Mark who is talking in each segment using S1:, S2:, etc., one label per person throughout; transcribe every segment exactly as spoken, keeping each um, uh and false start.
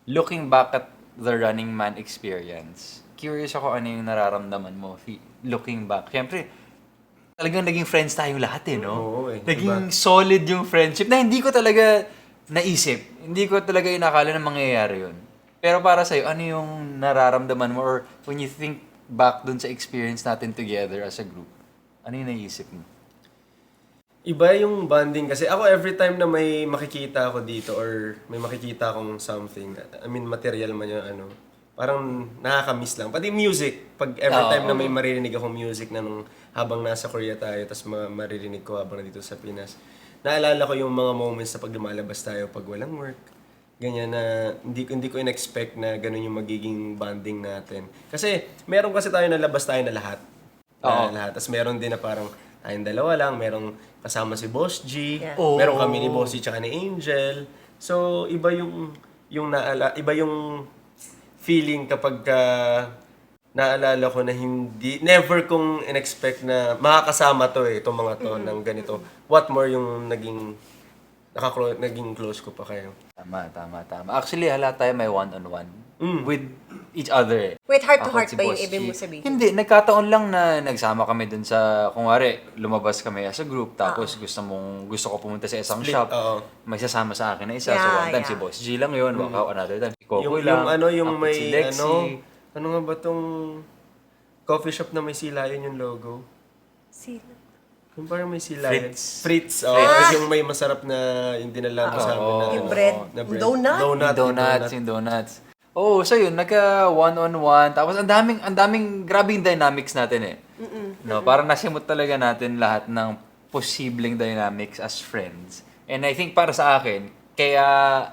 S1: looking back at the Running Man experience, curious ako ano yung nararamdaman mo fi- looking back. Siyempre, talagang naging friends tayong lahat eh, no?
S2: Oo eh,
S1: Naging solid yung friendship na hindi ko talaga naisip. Hindi ko talaga inakala na mangyayari yun. Pero para sa'yo, ano yung nararamdaman mo or when you think back dun sa experience natin together as a group, ano yung naisip mo?
S2: Iba yung bonding kasi ako every time na may makikita ako dito or may makikita akong something, I mean material man yung ano, parang nakaka-miss lang. Pati music, pag every
S1: Oo.
S2: time na may maririnig akong music na nung habang nasa Korea tayo, tapos ma- maririnig ko habang nandito sa Pinas, naalala ko yung mga moments na pag lumalabas tayo pag walang work. Ganyan na hindi ko hindi ko in-expect na ganun yung magiging bonding natin. Kasi meron kasi tayo na labas tayo na lahat.
S1: Oo.
S2: Na lahat. Tapos meron din na parang tayong dalawa lang, merong kasama si Boss G,
S3: Yeah.
S1: Oo.
S2: meron kami ni Boss G tsaka ni Angel. So iba yung yung naala, iba yung feeling kapag ka naalala ko na hindi never kong in-expect na makakasama to eh, itong mga to ng ganito. What more yung naging nakaklo, naging close ko pa kayo.
S1: Tama, tama, tama. Actually, hala tayo may one-on-one
S2: Mm.
S1: with each other eh.
S3: Wait, heart to
S1: Ako at
S3: heart
S1: si
S3: ba yung
S1: Boss
S3: ibig mo
S1: G.
S3: sabihin?
S1: Hindi, nagkataon lang na nagsama kami dun sa, kung wari, lumabas kami as a group, tapos gusto mong, gusto ko pumunta sa isang
S2: Split,
S1: shop,
S2: oo.
S1: may sasama sa akin na isa. so
S3: Yeah,
S1: one time,
S3: yeah.
S1: si Boss G lang yun, wakaw another time, si Coco
S2: Yung,
S1: lang,
S2: yung ano, yung
S1: ako
S2: may
S1: si Lexi.
S2: ano, ano nga ba tong coffee shop na may silayan yung logo?
S3: Sino?
S2: Yung parang may silayan.
S1: Fritz.
S2: Fritz. Oh,
S3: Ah!
S2: yung may masarap na yung dinala mo sa amin na,
S3: Yung bread.
S2: na bread.
S3: Donut?
S2: Donut.
S1: Yung donuts, yung donuts. Oo, so yun, nagka one-on-one. Tapos ang daming, ang daming, grabe yung dynamics natin eh. No, parang nasimot talaga natin lahat ng posibleng dynamics as friends. And I think para sa akin, kaya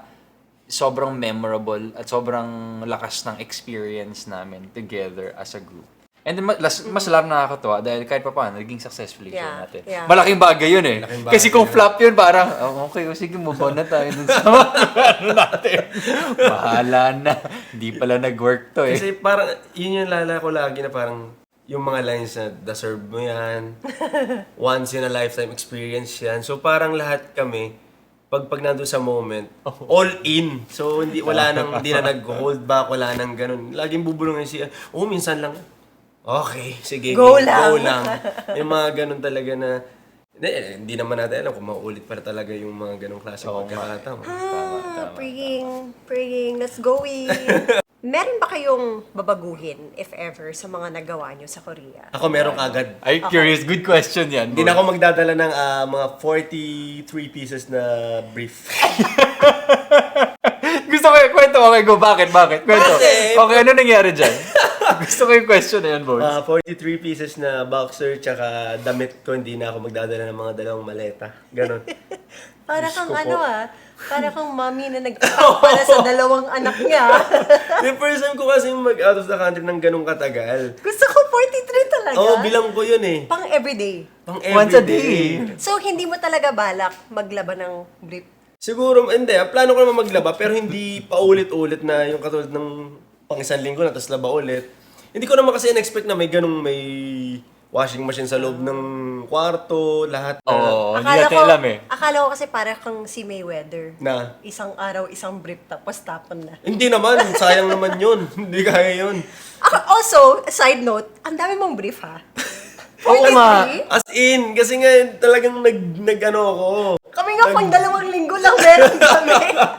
S1: sobrang memorable at sobrang lakas ng experience namin together as a group. And then, mas, mas lalo nakakatuwa dahil kahit pa paano, naging successful yung show
S3: Yeah,
S1: natin.
S3: yeah.
S1: Malaking bagay yun eh.
S2: Malaking bagay
S1: Kasi kung
S2: yun.
S1: flop yun, parang, oh, okay, o sige, move on na tayo dun sa ano natin. Bahala na. Hindi pala nag-work to eh.
S2: Kasi parang, yun yung lala ko lagi na parang, yung mga lines na deserve mo yan, once in a lifetime experience yan. So parang lahat kami, pag pag nandun sa moment, all in. So hindi wala nang hindi na nag-hold back, wala nang ganun. Laging bubulungan siya. Oh, minsan lang. Okay, sige.
S3: Go
S2: game,
S3: lang.
S2: Go lang. Yung mga ganun talaga na hindi, eh, hindi naman natin alam kung mauulit pa talaga yung mga ganung klase
S1: Oo nga.
S2: pagkakataon.
S3: Ah, praying, praying, let's go in. Meron ba kayong babaguhin, if ever, sa mga nagawa nyo sa Korea?
S2: Ako meron kagad.
S1: Ay, curious. Good question yan.
S2: Hindi na ako magdadala ng ah, mga forty-three pieces na brief.
S1: Gusto ko yung kwento. Okay, go. Bakit? Bakit? Kwento.
S2: Kasi-
S1: Okay, ano nangyari dyan? Gusto ko yung question na yan, boys.
S2: Ah, forty-three pieces na boxer tsaka damit ko, hindi na ako magdadala ng mga dalawang maleta. Ganon.
S3: Para
S2: Diyos
S3: kang
S2: ko po.
S3: ano ah, para kang mami na nag-pack para sa dalawang anak niya.
S2: Yung first time ko kasi mag out of the country ng ganong katagal.
S3: Gusto ko forty-three talaga.
S2: Oo, bilang ko yun eh.
S3: Pang everyday.
S2: Pang
S1: Once a
S2: everyday.
S1: day.
S3: So, hindi mo talaga balak maglaba ng brief?
S2: Siguro, hindi. ah, Plano ko naman maglaba, pero hindi paulit-ulit na yung katulad ng pang isang linggo na, tapos laba ulit. Hindi ko naman kasi in-expect na may ganong may washing machine sa loob ng kwarto, lahat na.
S1: Oo, hindi natin alam eh.
S3: Akala ko kasi para kang si Mayweather.
S2: Na.
S3: Isang araw, isang brief, tapos tapon na.
S2: Hindi naman, sayang naman yun. Hindi kaya yun.
S3: Ako, also, side note, ang dami mong brief ha?
S1: Oo nga.
S3: forty-three?
S2: As in, kasi nga talagang nag, nag ano ako.
S3: Kami nga pang dalawang linggo lang meron kami.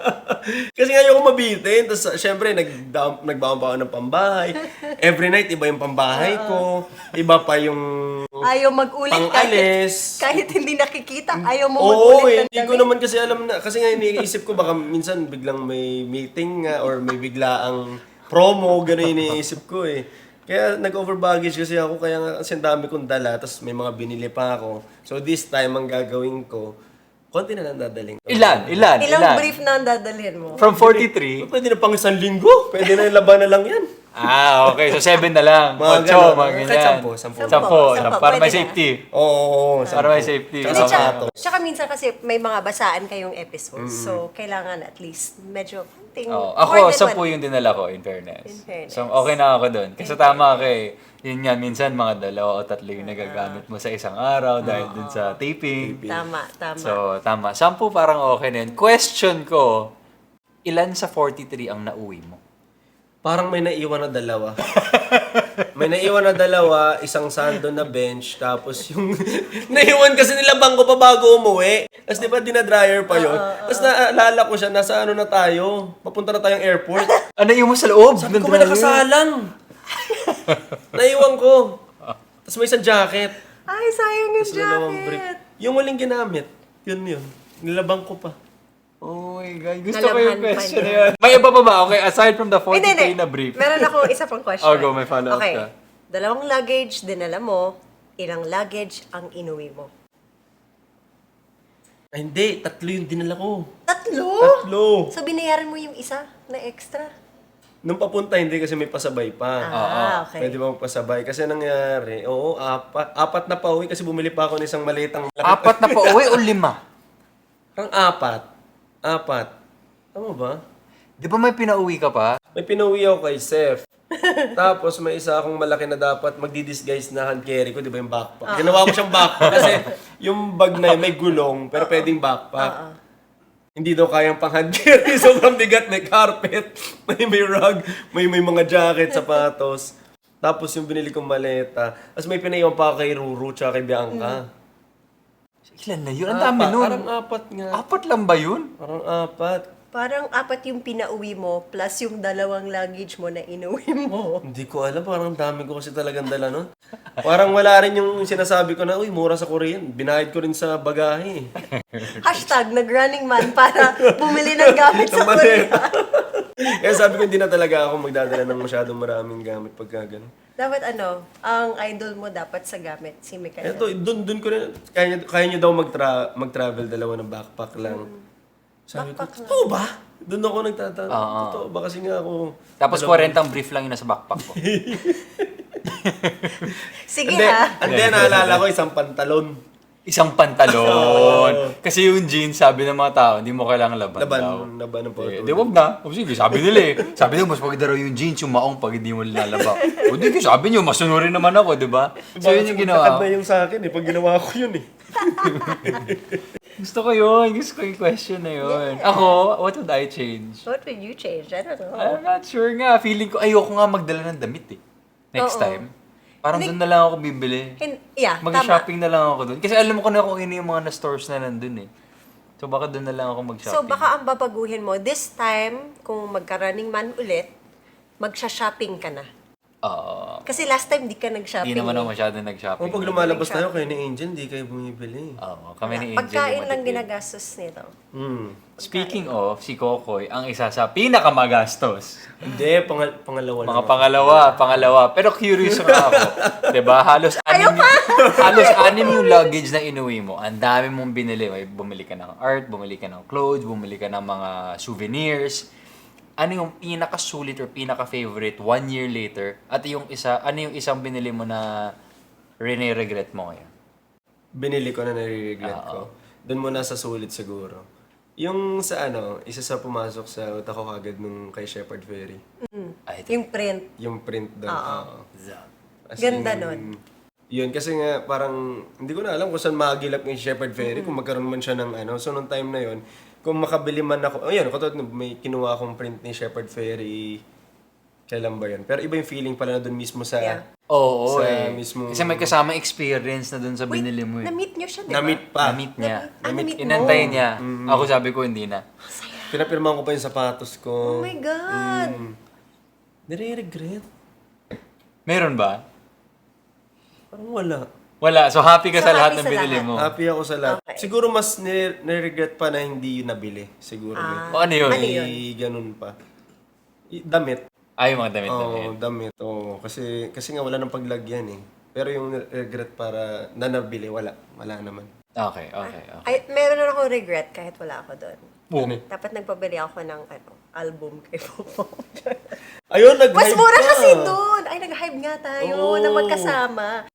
S2: Kasi nga ayoko mabitin. Tapos uh, syempre, nag nagbaon pa ako ng pambahay. Every night, iba yung pambahay ko. Iba pa yung
S3: Ayaw mag-ulit kahit,
S2: pang-alis.
S3: kahit hindi nakikita. Ayaw mo
S2: Oo,
S3: mag-ulit
S2: eh,
S3: ng
S2: hindi ko
S3: damit.
S2: naman kasi alam na. Kasi nga iniisip ko baka minsan biglang may meeting nga or may biglaang promo. Gano'n iniisip ko eh. Kaya nag-over baggage kasi ako. Kaya nga kasi ang dami kong dala. Tapos may mga binili pa ako. So this time, ang gagawin ko, konti na lang dadaling.
S1: Ilan? Ilan?
S3: Ilang
S1: Ilan?
S3: brief na ang dadalhin mo?
S1: From forty-three?
S2: Pwede na pang isang linggo. Pwede na yung laban na lang yan.
S1: Ah, okay. So, seven na lang.
S2: Mga
S1: Ocho,
S2: ganun.
S1: mga
S2: Kahit
S1: ganyan.
S2: sampo, sampo.
S1: Sampo.
S3: Sampo,
S1: sampo.
S3: sampo.
S1: Para may
S3: Pwede na.
S1: safety.
S2: Oo, oo, oo,
S1: Para may safety.
S2: Tsaka
S3: Hindi,
S1: Tama.
S3: tsaka,
S2: sapatos.
S3: tsaka minsan kasi may mga basaan kayong episodes. So, kailangan at least medyo konting...
S1: Oh,
S3: more
S1: ako,
S3: than
S1: sampu
S3: one.
S1: yung dinala ko, in fairness.
S3: In fairness.
S1: So, okay na ako dun. Kasi tama kay, yun nga, minsan mga dalawa o tatlo yung nagagamit mo sa isang araw dahil dun sa taping.
S3: Tama, tama.
S1: So, tama. Sampu parang okay na yun. Question ko, ilan sa forty-three ang nauwi mo?
S2: Parang may naiwan na dalawa. May naiwan na dalawa, isang sando na bench, tapos yung naiwan kasi nila bangko pa bago umuwi. Tapos di ba dinadryer pa yun? Tapos naalala ko siya, nasa ano na tayo, papunta na tayong airport.
S1: Ano yung mo sa loob?
S2: Sabi ko may nakasalang. Naiwan ko. Tapos may isang jacket.
S3: Ay, sayang yung
S2: Tapos dalawang brief.
S3: jacket.
S2: Yung waling ginamit, yun yun. Nilabang ko pa.
S1: Oh my God. Gusto ko yung
S3: Nalabhan pa
S1: question na
S3: niya.
S1: yun. May iba pa ba? Okay, aside from the
S3: Hindi,
S1: forty-three
S3: hindi.
S1: na brief.
S3: Meron ako isa pang question.
S1: Oh, go, may follow-up
S3: okay.
S1: ka.
S3: Dalawang luggage, dinala mo. Ilang luggage ang inuwi mo?
S2: Ay, hindi. Tatlo yung dinala ko.
S3: Tatlo?
S2: Tatlo.
S3: So, binayaran mo yung isa na extra?
S2: Nung papunta, hindi kasi may pasabay pa.
S3: Ah, okay.
S2: Pwede ba magpasabay? Kasi nangyari, oo, apat. Apat na pauwi kasi bumili pa ako ng isang malitang laki.
S1: Apat na pa uwi o lima?
S2: Parang apat. Apat. Tama ba?
S1: Di ba may pinauwi ka pa?
S2: May pinauwi ako kay Seth. Tapos may isa akong malaki na dapat magdi-disguise na hand carry ko, di ba yung backpack? Ginawa ko siyang backpack kasi yung bag na yun may gulong pero pwedeng backpack. Hindi daw kayang pang hand carry, sobrang bigat, may carpet, may may rug, may may mga jacket, sapatos. Tapos yung binili kong maleta. Tapos may pinaiwan pa ako kay Ruru tsaka kay Bianca.
S1: Ilan na yun? Ang dami
S2: Apat,
S1: nun.
S2: Parang apat nga.
S1: Apat lang ba yun?
S2: Parang apat.
S3: Parang apat yung pinauwi mo plus yung dalawang luggage mo na inuwi mo.
S2: Hindi ko alam, parang dami ko kasi talagang dala nun. Parang wala rin yung sinasabi ko na, uy, mura sa Korean. Binayad ko rin sa bagahe.
S3: Hashtag nag-running man para bumili ng gamit sa
S2: Ang mali.
S3: Korea.
S2: Kaya sabi ko, hindi na talaga ako magdadala ng masyadong maraming gamit pagka ganun.
S3: Dapat ano, ang idol mo dapat sa gamit, si Mikael.
S2: Eto, dun, dun ko rin, kaya, niyo- kaya nyo daw magtra, mag-travel dalawa ng backpack lang. Sabi ko,
S3: Backpack lang.
S2: totoo ba? Doon ako nagtatanong.
S1: Oo.
S2: Totoo ba? Kasi nga ako...
S1: Tapos
S2: dalawang-
S1: forty brief lang yun nasa backpack ko.
S3: Sige
S2: Hindi,
S3: ha.
S2: hindi, naalala ko isang pantalon.
S1: Isang pantalon. Kasi yung jeans, sabi ng mga tao, hindi mo kailangan laban,
S2: Laban,
S1: daw.
S2: laban ng
S1: Eh,
S2: photo.
S1: di wag na. O sige, sabi nila eh. Sabi nila, mas maganda raw yung jeans, yung maong pag hindi mo nilalaba. O di, sabi niyo, masunurin naman ako, di ba? So yun yung ginawa ko.
S2: na yung sa akin eh, pag ginawa ko yun eh.
S1: Gusto ko yun. Gusto ko yung question na yun. Ako, what would I change?
S3: What would you change? I don't know.
S1: I'm not sure nga. Feeling ko, ayoko nga magdala ng damit eh. Next
S3: Oo.
S1: time. Parang
S3: Hindi-
S1: doon na lang ako bibili.
S3: Hin- yeah, tama.
S1: Mag-shopping na lang ako doon. Kasi alam ko na kung ano yung mga na-stores na nandun eh. So baka doon na lang ako mag-shopping.
S3: So baka ang babaguhin mo, this time, kung magka-running man ulit, magsha-shopping ka na.
S1: Oo.
S3: Kasi last time di ka nag-shopping.
S1: Hindi naman ako
S3: eh.
S1: masyado nag-shopping.
S2: O pag lumalabas tayo kayo ni Angel, di kayo bumibili.
S1: Oo, kami ni Angel.
S3: Pagkain
S1: yung
S3: lang
S1: matipid.
S3: ginagastos nito.
S2: Hmm.
S1: Speaking of, si Kokoy, ang isa sa pinakamagastos.
S2: Hindi, pangal pangalawa lang.
S1: Mga
S2: ako.
S1: pangalawa, pangalawa. Pero curious nga ako. 'Di ba? Halos anim, halos anim yung luggage na inuwi mo. Ang dami mong binili. May bumili ka ng art, bumili ka ng clothes, bumili ka ng mga souvenirs. Ano yung pinaka-sulit or pinaka-favorite one year later? At yung isa, ano yung isang binili mo na rene-regret mo ngayon?
S2: Binili ko na nare-regret
S1: Oo.
S2: ko. Doon muna sa sulit siguro. Yung sa ano, isa sa pumasok sa utak ko kagad nung kay Shepard Ferry.
S1: Ay, ito.
S3: Yung print.
S2: Yung print doon. Oo. As
S3: Ganda
S2: in,
S3: nun.
S2: Yun, kasi nga parang, hindi ko na alam kung saan magilap yung Shepard Ferry, kung magkaroon man siya ng ano. So, nung time na yun, kung makabili man ako, oh yun, katulad nung may kinuha akong print ni Shepard Ferry, kailan ba yun? Pero iba yung feeling pala na doon mismo sa,
S3: Yeah.
S1: Oo,
S2: sa
S1: eh.
S2: mismong-
S1: Kasi may kasama experience na dun sa
S3: Wait,
S1: binili mo eh.
S3: na-meet niyo siya, di ba?
S2: na-meet pa.
S1: Na-meet niya.
S3: Ah, na-meet mo.
S1: Inantay niya. Ako sabi ko, hindi na.
S2: Pinapirmahan ko pa yung sapatos ko.
S3: Oh my God!
S2: Mm. Nire-regret.
S1: Meron ba?
S2: Parang wala.
S1: Wala. So happy ka
S3: So,
S1: sa lahat
S3: happy
S1: ng
S3: sa
S1: binili
S3: lahat.
S1: mo.
S2: Happy ako sa lahat.
S3: Okay.
S2: Siguro mas nire- nire-regret pa na hindi yun nabili. Siguro.
S3: Ah.
S1: O ano yun?
S3: Ano yun?
S2: May ganun pa. I- Damit.
S1: Ay, yung mga damit
S2: Oo,
S1: damit.
S2: damit. Oo. Kasi, kasi nga wala nang paglagyan eh. Pero yung regret para na nabili, wala. Wala naman.
S1: Okay, okay, okay.
S3: Ay, meron na akong regret kahit wala ako doon.
S1: Boom.
S3: Dapat nagpabili ako ng ano, album kay Popo.
S2: Ayun, nag-hype
S3: Mas mura
S2: ka.
S3: kasi doon! Ay, nag-hype nga tayo
S2: Oo.
S3: na magkasama.